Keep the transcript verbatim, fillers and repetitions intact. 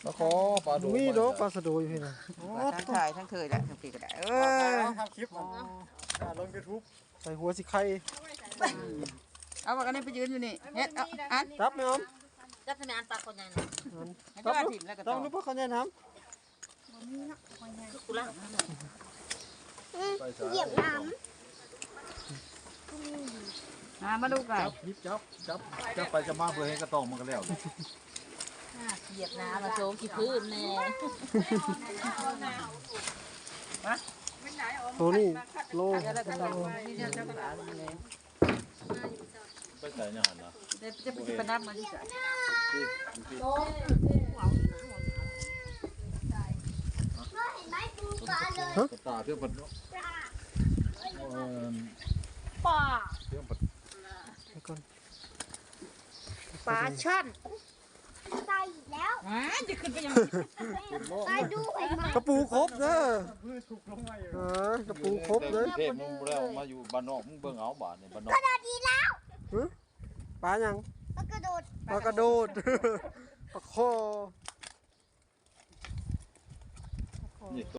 มาขอปลาดุกมีดอกปลาสะโดอยู่พี่นะทั้งถ่ายทั้งเคยแหละทั้งปีก็ได้เออทำคลิปมันลง YouTube ใส่หัวสิไข่เอาว่ากันนี่ไปยืนอยู่นี่เฮ็ดเอาอันรับไหมออมจับทำไมอันปลาคนใหญ่ให้ดูอาทิตย์แล้วก็ต้ต่องอรู้ป่ะเขาจะทกูละไปใส่เหยียบน้อ่ามาดูกันจับยิบจับจับจับไปจะมาเพื่อให้กระตองมันก็แล้วเหยียบน้ำมาโชว์ขี้พื้นแน่ำตัวนี้โลเดี๋ยวแล้วก็ต่อนี่เดี๋ยวเจ้าก็ด่าเลยไปใส่เนี่ยหันนะเดี๋ยวจะไปจิบน้ำมาที่ใส่ำเห็นไหมปูปลาเลยกระตาเพื่อปัดเออปลาเพื่อปัดไปก่อนปลาช่อนใส่อีกแล้วอ่าจะขึ้นไปยังใส่ดูเห็นไหมกระปูครบเด้อเออกระปูครบเลยเทพมึงแล้วมาอยู่บ้านนอกมึงเบิ่งเอาบาทในบ้านนอกกระโดดดีแล้วปลายังมันกระโดดปลากระโดดปลาคอนี่